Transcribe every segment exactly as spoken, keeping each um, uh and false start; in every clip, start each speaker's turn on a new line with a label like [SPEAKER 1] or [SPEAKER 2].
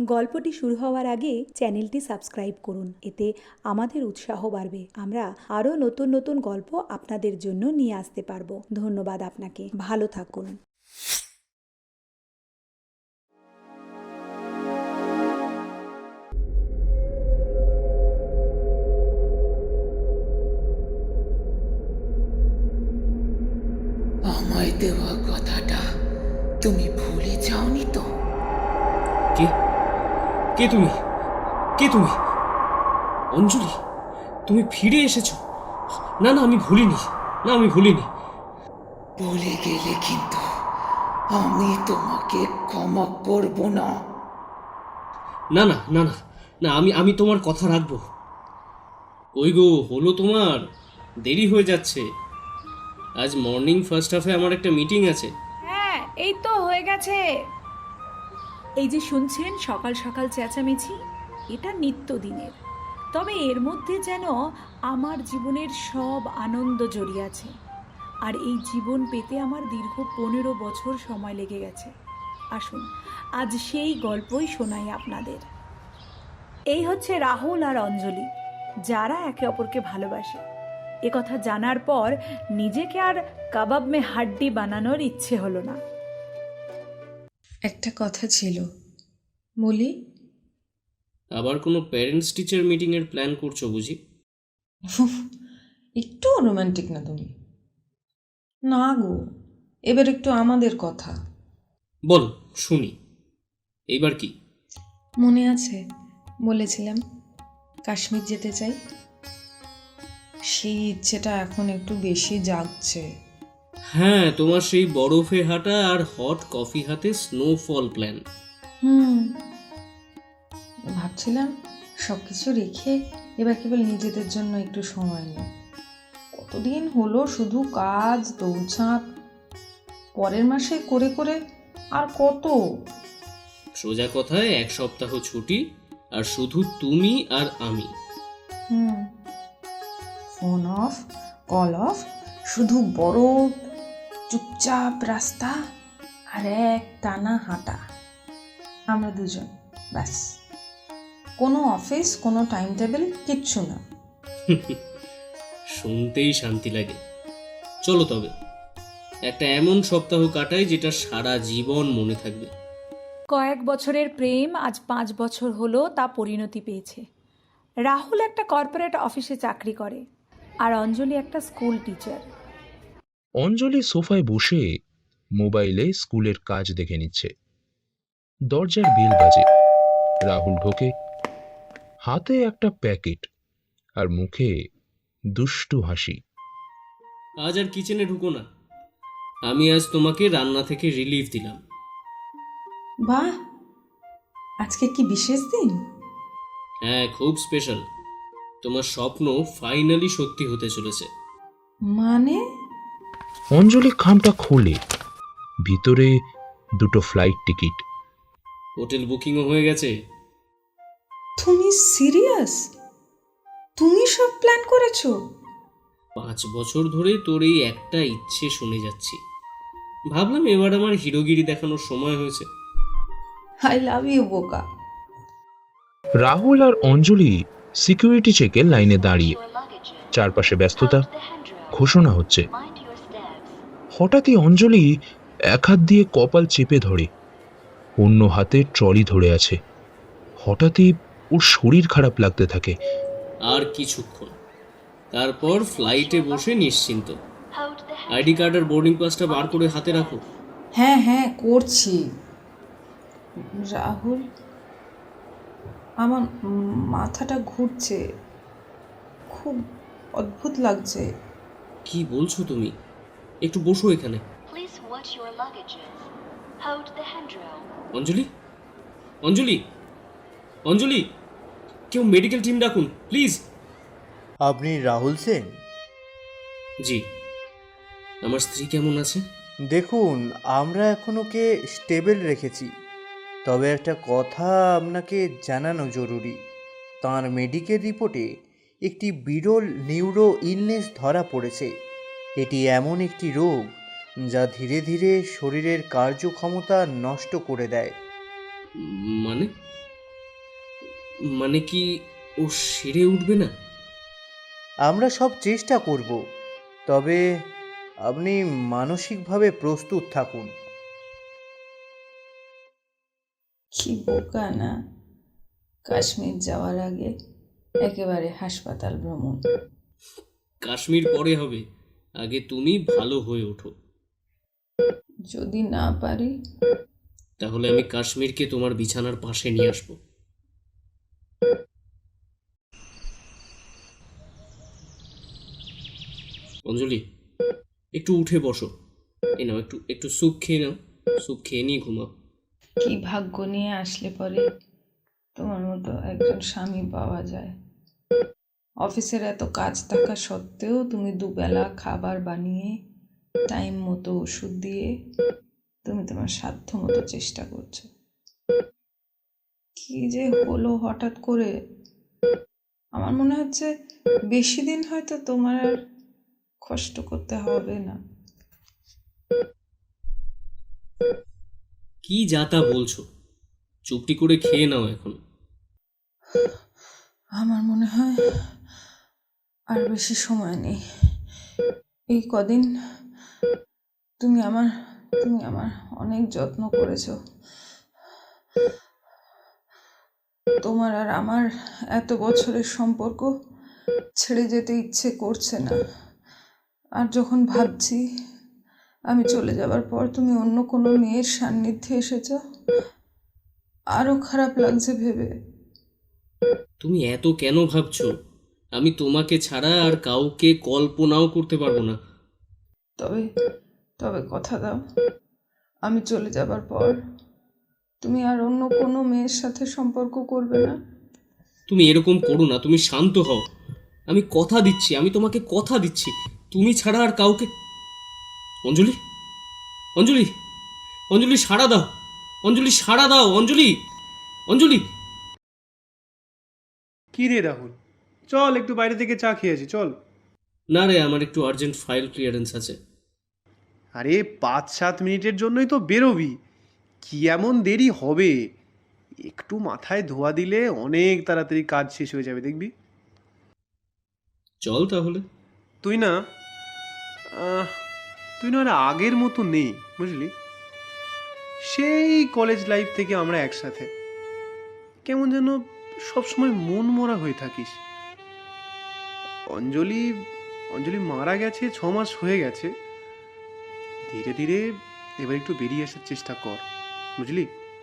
[SPEAKER 1] গল্পটি শুরু হওয়ার আগে চ্যানেলটি সাবস্ক্রাইব করুন, এতে আমাদের উৎসাহ বাড়বে। আমরা আরও নতুন নতুন গল্প আপনাদের জন্য নিয়ে আসতে পারবো। ধন্যবাদ আপনাকে। ভালো থাকুন।
[SPEAKER 2] আমায় দেওয়া কথাটা তুমি ভুলে যাওনি তো?
[SPEAKER 3] কে কে তুমি কে তুমি অঞ্জলি, তুমি ফিরে এসেছো? না না, আমি ভুলিনি, না আমি ভুলিনি।
[SPEAKER 2] ভুলে গেলে কিন্তু আমি তোমাকে ক্ষমা করব না।
[SPEAKER 3] না না না না না, আমি আমি তোমার কথা রাখবো। ওই গো, হলো তোমার? দেরি হয়ে যাচ্ছে। আজ মর্নিং ফার্স্ট হাফে আমার একটা মিটিং আছে।
[SPEAKER 4] হ্যাঁ, এই তো হয়ে গেছে। এই যে শুনছেন সকাল সকাল চেঁচামেচি, এটা নিত্যদিনের। তবে এর মধ্যে যেন আমার জীবনের সব আনন্দ জড়িয়ে আছে। আর এই জীবন পেতে আমার দীর্ঘ পনেরো বছর সময় লেগে গেছে। আসুন আজ সেই গল্পই শোনাই আপনাদের। এই হচ্ছে রাহুল আর অঞ্জলি, যারা একে অপরকে ভালোবাসে। এ কথা জানার পর নিজেকে আর কাবাব মে হাড্ডি বানানোর ইচ্ছে হলো না।
[SPEAKER 5] একটা কথা ছিল, বলি।
[SPEAKER 3] আবার কোনো প্যারেন্টস টিচার মিটিং এর প্ল্যান করছো বুঝি?
[SPEAKER 5] একটু রোমান্টিক না তুমি? না গো, এবার একটু আমাদের কথা
[SPEAKER 3] বল, শুনি। এইবার কি?
[SPEAKER 5] মনে আছে বলেছিলাম কাশ্মীর যেতে চাই? সেই ইচ্ছেটা এখন একটু বেশি জাগছে।
[SPEAKER 3] হ্যাঁ, তোমার সেই বরফে হাঁটা আর হট কফি হাতে স্নোফল প্ল্যান।
[SPEAKER 5] হুম ভাবছিলাম সব কিছু রেখে এবার কেবল নিজেদের জন্য একটু সময় নিই। কতদিন হলো শুধু কাজ দৌড়ঝাঁপ, পরের মাসে করে করে আর কত।
[SPEAKER 3] সোজা কথায় এক সপ্তাহ ছুটি, আর শুধু তুমি আর আমি।
[SPEAKER 5] হুম ফোন অফ, কল অফ, শুধু বরফ, চুপচাপ রাস্তা আর এক টানা হাঁটা, আমরা দুজন, ব্যাস। কোনো অফিস, কোনো টাইম টেবিল, কিচ্ছু না।
[SPEAKER 3] শুনতেই শান্তি লাগে। চলো তবে একটা এমন সপ্তাহ কাটাই যেটা সারা জীবন মনে থাকবে।
[SPEAKER 4] কয়েক বছরের প্রেম আজ পাঁচ বছর হলো তা পরিণতি পেয়েছে। রাহুল একটা কর্পোরেট অফিসে চাকরি করে, আর অঞ্জলি একটা স্কুল টিচার।
[SPEAKER 6] অঞ্জলি সোফায় বসে মোবাইলে স্কুলের কাজ দেখে নিচ্ছে। দরজার বেল বাজে। রাহুল ঢোকে, হাতে একটা প্যাকেট আর মুখে দুষ্টু হাসি।
[SPEAKER 3] আজ আর কিচেনে ঢুকো না, আমি আজ তোমাকে রান্না থেকে রিলিফ দিলাম।
[SPEAKER 5] বাহ, আজকে কি বিশেষ দিন?
[SPEAKER 3] হ্যাঁ, খুব স্পেশাল। তোমার স্বপ্ন ফাইনালি সত্যি হতে চলেছে।
[SPEAKER 5] মানে?
[SPEAKER 6] অঞ্জলি খামটা খোলে, ভিতরে দুটো ফ্লাইট টিকিট।
[SPEAKER 3] হোটেল বুকিংও হয়ে গেছে।
[SPEAKER 5] তুমি সিরিয়াস? তুমি সব প্ল্যান করেছো?
[SPEAKER 3] পাঁচ বছর ধরে তোর এই একটা ইচ্ছে শুনে যাচ্ছি, ভাবলাম এবার আমার হিরোগিরি দেখানোর সময় হয়েছে।
[SPEAKER 5] আই লাভ ইউ বোকা।
[SPEAKER 6] রাহুল আর অঞ্জলি সিকিউরিটি চেকের লাইনে দাঁড়িয়ে, চারপাশে ব্যস্ততা, ঘোষণা হচ্ছে। হঠাৎই অঞ্জলি এক হাত দিয়ে কপাল চেপে ধরে, অন্য হাতে ট্রলি ধরে আছে। হঠাৎই ওর শরীর খারাপ লাগতে থাকে।
[SPEAKER 3] আর কিছুক্ষণ, তারপর ফ্লাইটে বসে নিশ্চিন্ত। আইডি কার্ড আর বোর্ডিং পাসটা বার করে হাতে রাখো।
[SPEAKER 5] হ্যাঁ হ্যাঁ করছি। রাহুল, আমার মাথাটা ঘুরছে, খুব অদ্ভুত লাগছে।
[SPEAKER 3] কি বলছো তুমি? একটু বসো এখানে। অঞ্জলি, অঞ্জলি, অঞ্জলি, কেউ মেডিকেল টিম ডাকুন প্লিজ।
[SPEAKER 7] আপনি রাহুল সেন?
[SPEAKER 3] জি। আমার স্ত্রী কেমন আছে?
[SPEAKER 7] দেখুন, আমরা এখন ওকে স্টেবল রেখেছি, তবে একটা কথা আপনাকে জানানো জরুরি। তার মেডিকেল রিপোর্টে একটি বিরল নিউরো ইলনেস ধরা পড়েছে। এটি এমন একটি রোগ যা ধীরে ধীরে শরীরের কার্যক্ষমতা নষ্ট করে দেয়।
[SPEAKER 3] মানে? মানে কি ও সেরে উঠবে না?
[SPEAKER 7] আমরা সব চেষ্টা করব, তবে আপনি মানসিকভাবে প্রস্তুত থাকুন।
[SPEAKER 5] কি বোকা না, কাশ্মীর যাওয়ার আগে একেবারে হাসপাতাল ভ্রমণ।
[SPEAKER 3] কাশ্মীর পরে হবে, আগে তুমি ভালো হয়ে ওঠো।
[SPEAKER 5] যদি না পারি?
[SPEAKER 3] তাহলে আমি কাশ্মীরকে তোমার বিছানার পাশে নিয়ে আসবো। অঞ্জলি, একটু উঠে বসো। এই নাও, একটু একটু স্যুপ খেয়ে নাও। স্যুপ খেয়ে নিয়ে ঘুমাও।
[SPEAKER 5] কি ভাগ্য নিয়ে আসলে পরে তোমার মতো একজন স্বামী পাওয়া যায়। অফিসের এত কাজ থাকা সত্ত্বেও তুমি দুবেলা খাবার বানিয়ে টাইম মতো ওষুধ দিয়ে তুমি তোমার সাধ্য মতো চেষ্টা করছো। কি যে হলো হঠাৎ করে, আমার মনে হচ্ছে বেশি দিন হয়তো তোমার আর কষ্ট করতে হবে না।
[SPEAKER 3] কি যা তা বলছো? চুপটি করে খেয়ে নাও এখন।
[SPEAKER 5] আমার মনে হয় আর বেশি সময় নেই। এই কদিন তুমি আমার তুমি আমার অনেক যত্ন করেছো। তোমার আর আমার এত বছরের সম্পর্ক ছেড়ে যেতে ইচ্ছে করছে না। আর যখন ভাবছি আমি চলে যাবার পর তুমি অন্য কোনো মেয়ের সান্নিধ্যে এসেছো, আরো খারাপ লাগছে ভেবে।
[SPEAKER 3] তুমি এত কেন ভাবছো? আমি তোমাকে ছাড়া আর কাউকে কল্পনাও করতে পারবো না।
[SPEAKER 5] তবে তবে কথা দাও, আমি চলে যাবার পর তুমি আর অন্য কোনো মেয়ের সাথে সম্পর্ক করবে না?
[SPEAKER 3] তুমি এরকম করো না, তুমি শান্ত হও। আমি কথা দিচ্ছি, আমি তোমাকে কথা দিচ্ছি, তুমি ছাড়া আর কাউকে। অঞ্জলি, অঞ্জলি, অঞ্জলি সাড়া দাও। অঞ্জলি সাড়া দাও। অঞ্জলি, অঞ্জলি।
[SPEAKER 8] কি রে রাহুল, চল একটু বাইরে থেকে চা খেয়েছি, চল।
[SPEAKER 3] না রে, আমার একটু আর্জেন্ট ফাইল ক্লিয়ারেন্স আছে।
[SPEAKER 8] আরে পাঁচ সাত মিনিটের জন্যই তো বেরোবি, কি এমন দেরি হবে? একটু মাথায় ধোয়া দিলে অনেক তাড়াতাড়ি কাজ শেষ হয়ে যাবে, দেখবি।
[SPEAKER 3] চল তাহলে।
[SPEAKER 8] তুই না আহ, তুই না আর আগের মতো নেই, বুঝলি। সেই কলেজ লাইফ থেকে আমরা একসাথে, কেমন যেন সবসময় মন মরা হয়ে থাকিস। অঞ্জলি অঞ্জলি মারা গেছে, ছ মাস হয়ে গেছে। ধীরে ধীরে এবার একটু বেরিয়ে আসার চেষ্টা কর, বুঝলি।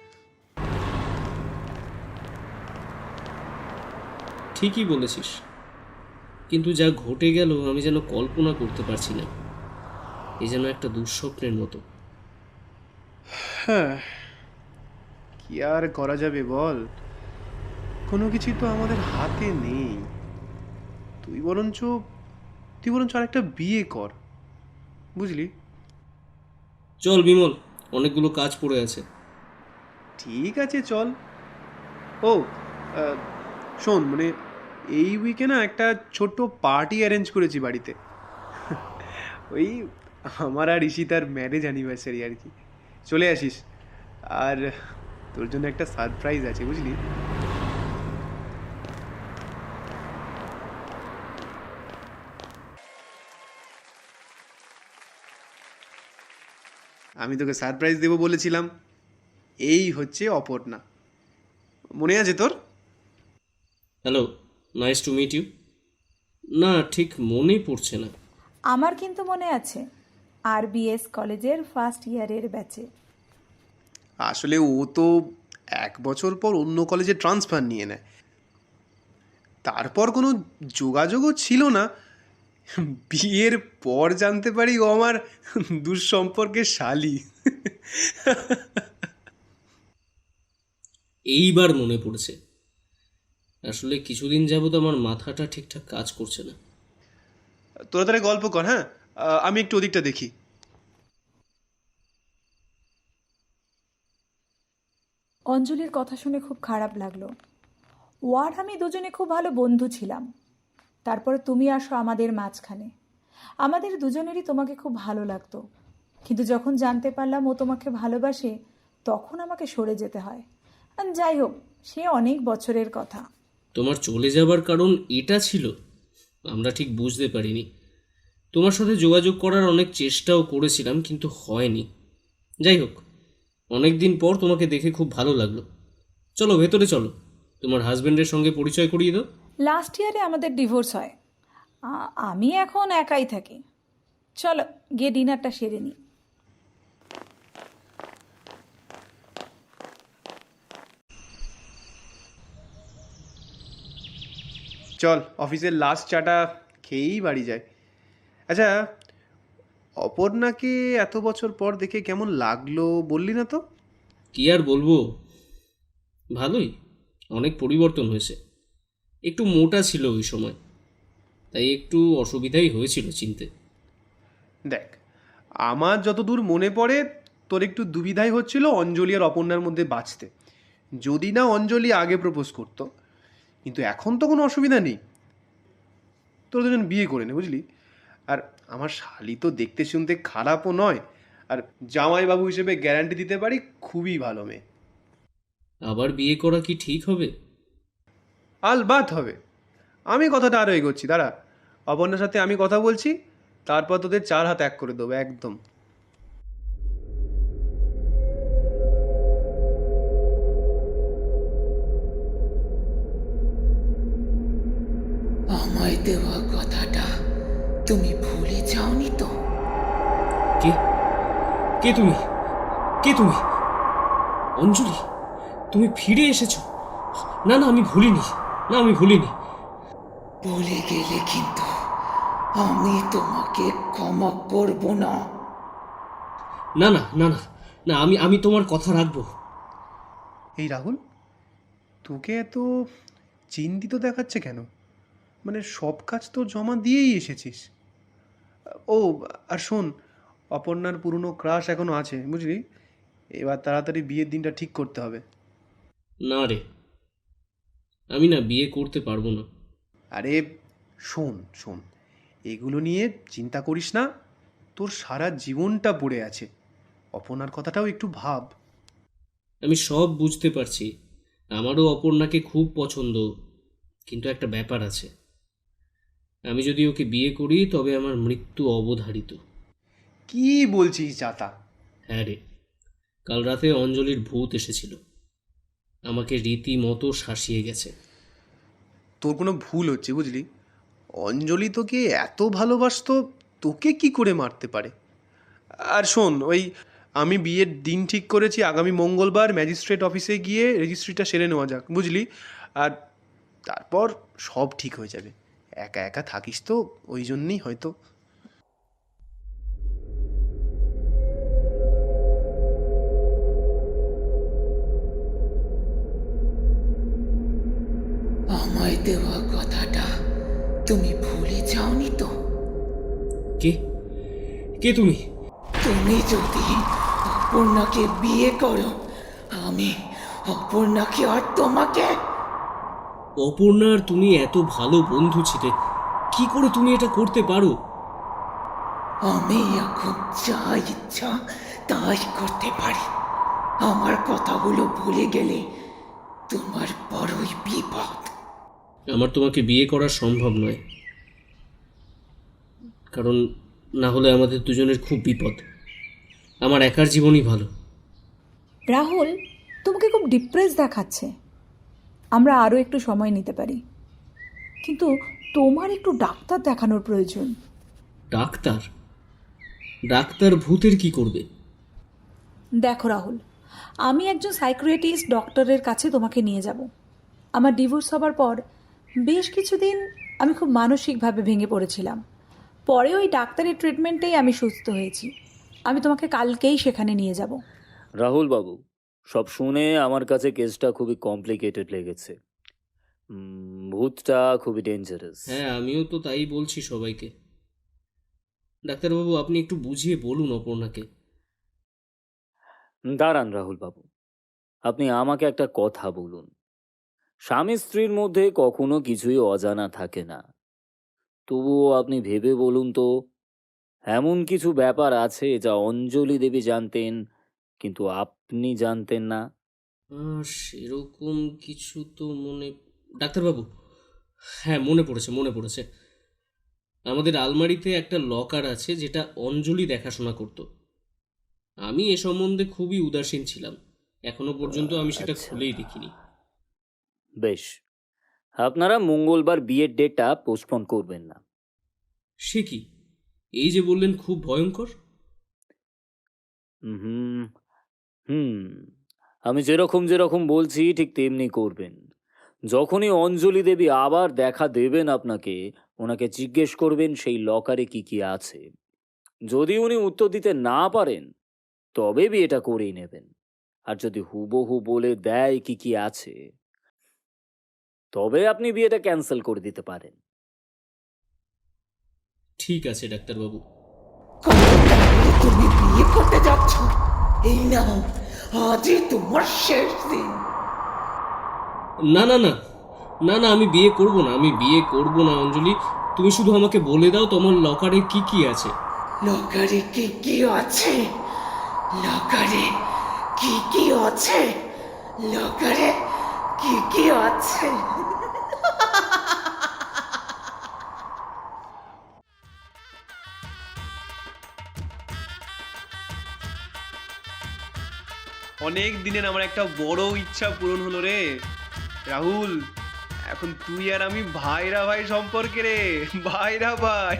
[SPEAKER 3] ঠিকই বলেছিস, কিন্তু যা ঘটে গেল আমি যেন কল্পনা করতে পারছি না। এই যেন একটা দুঃস্বপ্নের মতো।
[SPEAKER 8] হ্যাঁ, কি আর করা যাবে বল, কোনো কিছু তো আমাদের হাতে নেই। তুই বরঞ্চ তুই বরঞ্চ আর একটা বিয়ে কর, বুঝলি।
[SPEAKER 3] চল বিমল, অনেকগুলো কাজ পড়ে আছে।
[SPEAKER 8] ঠিক আছে চল। ও আহ, শোন, মানে এই উইকে না একটা ছোট্ট পার্টি অ্যারেঞ্জ করেছি বাড়িতে। ওই আমার আর ঈশিতার ম্যারেজ অ্যানিভার্সারি আর কি, চলে আসিস। আর তোর জন্য একটা সারপ্রাইজ আছে, বুঝলি। আমি তোকে সারপ্রাইজ দেবো বলেছিলাম, এই হচ্ছে অপর্ণা, মনে আছে তোর?
[SPEAKER 3] Hello, nice to meet you. না, ঠিক মনে পড়ছে না।
[SPEAKER 1] আমার কিন্তু মনে আছে, আর বিএস কলেজের ফার্স্ট ইয়ারের ব্যাচে।
[SPEAKER 8] আসলে ও তো এক বছর পর অন্য কলেজে ট্রান্সফার নিয়ে নেয়, তারপর কোনো যোগাযোগও ছিল না। বিয়ের পর জানতে পারি ও আমার দুঃসম্পর্কের শালি।
[SPEAKER 3] এইবার মনে পড়েছে। আসলে কিছুদিন যাবত আমার মাথাটা ঠিকঠাক কাজ করছে না।
[SPEAKER 8] তোরা তাহলে গল্প কর, হ্যাঁ, আহ, আমি একটু ওদিকটা দেখি।
[SPEAKER 1] অঞ্জলির কথা শুনে খুব খারাপ লাগলো। ও আর আমি দুজনে খুব ভালো বন্ধু ছিলাম। তারপরে তুমি আসো আমাদের মাঝখানে। আমাদের দুজনেরই তোমাকে খুব ভালো লাগতো, কিন্তু যখন জানতে পারলাম ও তোমাকে ভালোবাসে, তখন আমাকে সরে যেতে হয়। আর যাই হোক, সে অনেক বছরের কথা।
[SPEAKER 3] তোমার চলে যাবার কারণ এটা ছিল? আমরা ঠিক বুঝতে পারিনি। তোমার সাথে যোগাযোগ করার অনেক চেষ্টাও করেছিলাম, কিন্তু হয়নি। যাই হোক, অনেক দিন পর তোমাকে দেখে খুব ভালো লাগলো। চলো ভেতরে চলো, তোমার হাজবেন্ডের সঙ্গে পরিচয় করিয়ে দাও।
[SPEAKER 1] লাস্ট ইয়ারে আমাদের ডিভোর্স হয়। আ- আমি এখন একাই থাকি। চলো গিয়ে ডিনারটা সেরে নিই।
[SPEAKER 8] চল অফিসের লাস্ট চাটা খেয়েই বাড়ি যায়। আচ্ছা, অপর্ণাকে এত বছর পর দেখে কেমন লাগলো বললি না তো?
[SPEAKER 3] কি আর বলবো, ভালোই, অনেক পরিবর্তন হয়েছে। একটু মোটা ছিল ওই সময়, তাই একটু অসুবিধাই হয়েছিল চিনতে।
[SPEAKER 8] দেখ, আমার যতদূর মনে পড়ে তোর একটু দুবিধাই হচ্ছিল অঞ্জলি আর অপর্ণার মধ্যে বাঁচতে, যদি না অঞ্জলি আগে প্রপোজ করতো। কিন্তু এখন তো কোনো অসুবিধা নেই, তোর দুজন বিয়ে করে নে, বুঝলি? আর আমার শালি তো দেখতে শুনতে খারাপও নয়, আর জামাইবাবু হিসেবে গ্যারান্টি দিতে পারি খুবই ভালো মেয়ে।
[SPEAKER 3] আবার বিয়ে করা কি ঠিক হবে?
[SPEAKER 8] আলবাত হবে। আমি কথাটা আরও এগোচ্ছি, দাঁড়া। অপর্ণার সাথে আমি কথা বলছি, তারপর তোদের চার হাত এক করে দেবো একদম।
[SPEAKER 2] আমায় দেওয়া কথাটা তুমি ভুলে যাওনি তো?
[SPEAKER 3] কে কে তুমি? কে তুমি? অঞ্জলি, তুমি ফিরে এসেছো? না না, আমি ভুলিনি, না আমি ভুলিনি।
[SPEAKER 2] ভুলে গেলে কিন্তু আমি তোমাকে ক্ষমা করব না।
[SPEAKER 3] না না না না না, আমি আমি তোমার কথা রাখবো।
[SPEAKER 8] এই রাহুল, তোকে এত চিন্তিত দেখাচ্ছে কেন? মানে সব কাজ তো জমা দিয়েই এসেছিস। ও, আর শোন, অপর্ণার পুরনো ক্রাশ এখনো আছে, বুঝলি? এবার তাড়াতাড়ি বিয়ের দিনটা ঠিক করতে হবে।
[SPEAKER 3] না রে, আমি না বিয়ে করতে পারবো না।
[SPEAKER 8] আরে শোন শোন, এগুলো নিয়ে চিন্তা করিস না। তোর সারা জীবনটা পড়ে আছে, অপর্ণার কথাটাও একটু ভাব।
[SPEAKER 3] আমি সব বুঝতে পারছি, আমারও অপর্ণাকে খুব পছন্দ, কিন্তু একটা ব্যাপার আছে। আমি যদি ওকে বিয়ে করি তবে আমার মৃত্যু অবধারিত।
[SPEAKER 8] কি বলছিস জাতা?
[SPEAKER 3] হ্যাঁ রে, কাল রাতে অঞ্জলির ভূত এসেছিল, আমাকে রীতিমতো শাসিয়ে গেছে।
[SPEAKER 8] তোর কোনো ভুল হচ্ছে, বুঝলি? অঞ্জলি তোকে এত ভালোবাসতো, তোকে কি করে মারতে পারে? আর শোন, ওই আমি বিয়ের দিন ঠিক করেছি আগামী মঙ্গলবার ম্যাজিস্ট্রেট অফিসে গিয়ে রেজিস্ট্রিটা সেরে নেওয়া যাক, বুঝলি? আর তারপর সব ঠিক হয়ে যাবে। একা একা থাকিস তো, ওই জন্যই হয়তো।
[SPEAKER 2] আমায় দেওয়া কথাটা তুমি ভুলে যাওনি তো?
[SPEAKER 3] কে কে তুমি?
[SPEAKER 2] তুমি যদি অপর্ণাকে বিয়ে করো, আমি অপর্ণাকে আর তোমাকে।
[SPEAKER 3] অপর্ণার তুমি এত ভালো বন্ধু ছিলে, কি করে তুমি এটা করতে পারো?
[SPEAKER 2] আমি এখন যা ইচ্ছা তাই করতে পারি। আমার কথাগুলো ভুলে গেলে তোমার বড়ই বিপদ।
[SPEAKER 3] আমার তোমাকে বিয়ে করা সম্ভব নয়, কারণ না হলে আমাদের দুজনের খুব বিপদ। আমার একার জীবনই ভালো।
[SPEAKER 1] রাহুল, তোমাকে খুব ডিপ্রেস দেখাচ্ছে। আমরা আরও একটু সময় নিতে পারি, কিন্তু তোমার একটু ডাক্তার দেখানোর প্রয়োজন।
[SPEAKER 3] ডাক্তার? ডাক্তার ভূতের কি করবে?
[SPEAKER 1] দেখো রাহুল, আমি একজন সাইকিয়াট্রিস্ট ডক্টরের কাছে তোমাকে নিয়ে যাব। আমার ডিভোর্স হবার পর বেশ কিছুদিন আমি খুব মানসিকভাবে ভেঙে পড়েছিলাম। পরে ওই ডাক্তারের ট্রিটমেন্টেই আমি সুস্থ হয়েছি। আমি তোমাকে কালকেই সেখানে নিয়ে যাব।
[SPEAKER 9] রাহুল বাবু, সব শুনে আমার কাছে কেসটা খুবই কমপ্লিকেটেড লেগেছে। উম, ভূতটা খুবই ডেঞ্জারাস।
[SPEAKER 3] হ্যাঁ, আমিও তো তাই বলছি সবাইকে। ডাক্তারবাবু, আপনি একটু বুঝিয়ে বলুন অপর্ণাকে।
[SPEAKER 9] দাঁড়ান রাহুল বাবু, আপনি আমাকে একটা কথা বলুন। স্বামী স্ত্রীর মধ্যে কখনো কিছুই অজানা থাকে না, তবুও আপনি ভেবে বলুন তো, এমন কিছু ব্যাপার আছে যা অঞ্জলি দেবী জানতেন কিন্তু আপনি জানতেন না?
[SPEAKER 3] আহ, সেরকম কিছু তো মনে, ডাক্তারবাবু, হ্যাঁ মনে পড়েছে মনে পড়েছে আমাদের আলমারিতে একটা লকার আছে যেটা অঞ্জলি দেখাশোনা করতো। আমি এ সম্বন্ধে খুবই উদাসীন ছিলাম, এখনো পর্যন্ত আমি সেটা
[SPEAKER 9] আচ্ছা।
[SPEAKER 3] খুলেই দেখিনি।
[SPEAKER 9] বেশ, আপনারা মঙ্গলবার বিয়ের ডেটটা পোস্টপোন করবেন না।
[SPEAKER 3] সে কি, এই যে বললেন খুব ভয়ঙ্কর?
[SPEAKER 9] হুম হুম আমি যেরকম যেরকম বলছি ঠিক তেমনি করবেন। যখনই অঞ্জলি দেবী আবার দেখা দেবেন আপনাকে, ওনাকে জিজ্ঞেস করবেন সেই লকারে কি কি আছে। যদি উনি উত্তর দিতে না পারেন তবে বিয়েটা করেই নেবেন। আর যদি হুবহু বলে দেয় কি কি আছে, তবে আপনি বিয়েটা ক্যান্সেল করে দিতে পারেন।
[SPEAKER 3] ঠিক আছে ডাক্তারবাবু।
[SPEAKER 2] কত তাড়াতাড়ি তুমি বিয়ে করতে যাচ্ছ? এই নাও, আজই তোমার শেষ দিন।
[SPEAKER 3] না না না না না আমি বিয়ে করব না, আমি বিয়ে করব না অঞ্জলি। তুমি শুধু আমাকে বলে দাও তোমার লকারে কি কি আছে।
[SPEAKER 2] লকারে কি কি আছে? লকারে কি কি আছে? লকারে কি কি আছে?
[SPEAKER 8] অনেক দিনের আমার একটা বড় ইচ্ছা পূরণ হলো রে রাহুল। এখন তুই আর আমি ভাইরা ভাই সম্পর্কে রে, ভাইরা ভাই।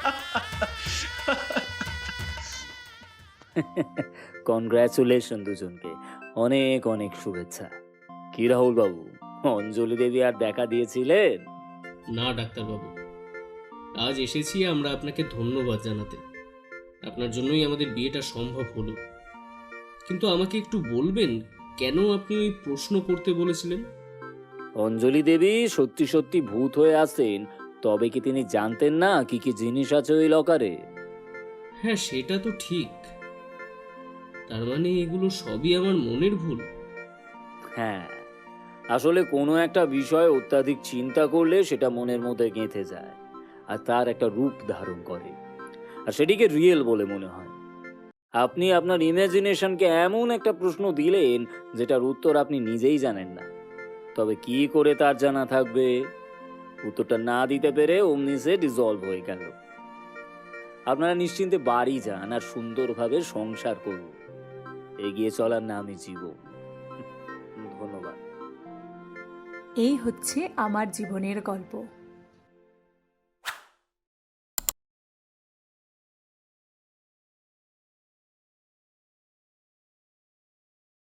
[SPEAKER 9] কনগ্রাচুলেশন দুজনকে, অনেক অনেক শুভেচ্ছা। কি রাহুল বাবু, অঞ্জলি দেবী আর দেখা দিয়েছিলেন?
[SPEAKER 3] না ডাক্তারবাবু, আজ এসেছি আমরা আপনাকে ধন্যবাদ জানাতে। আপনার জন্যই আমাদের বিয়েটা সম্ভব হলো। কিন্তু আমাকে একটু বলবেন কেন আপনি ওই প্রশ্ন করতে বলেছিলেন?
[SPEAKER 9] অঞ্জলি দেবী সত্যি সত্যি ভূত হয়ে আসেন, তবে কি তিনি জানতেন না কি কি জিনিস আছে ওই লকারে?
[SPEAKER 3] হ্যাঁ সেটা তো ঠিক, তার মানে এগুলো সবই আমার মনের ভুল।
[SPEAKER 9] হ্যাঁ, আসলে কোনো একটা বিষয় অত্যাধিক চিন্তা করলে সেটা মনের মধ্যে গেঁথে যায় আর তার একটা রূপ ধারণ করে, আর সেটিকে রিয়েল বলে মনে হয়। আপনি আপনার ইমাজিনেশনকে এমন একটা প্রশ্ন দিলেন যেটার উত্তর আপনি নিজেই জানেন না, তবে কি করে তার জানা থাকবে? উত্তরটা না দিতে পেরে অমনি সে ডিসলভ হয়ে গেল। আপনারা নিশ্চিন্তে বাড়ি যান আর সুন্দরভাবে সংসার করুন। এগিয়ে চলার নামই জীবন। ধন্যবাদ।
[SPEAKER 1] এই হচ্ছে আমার জীবনের গল্প।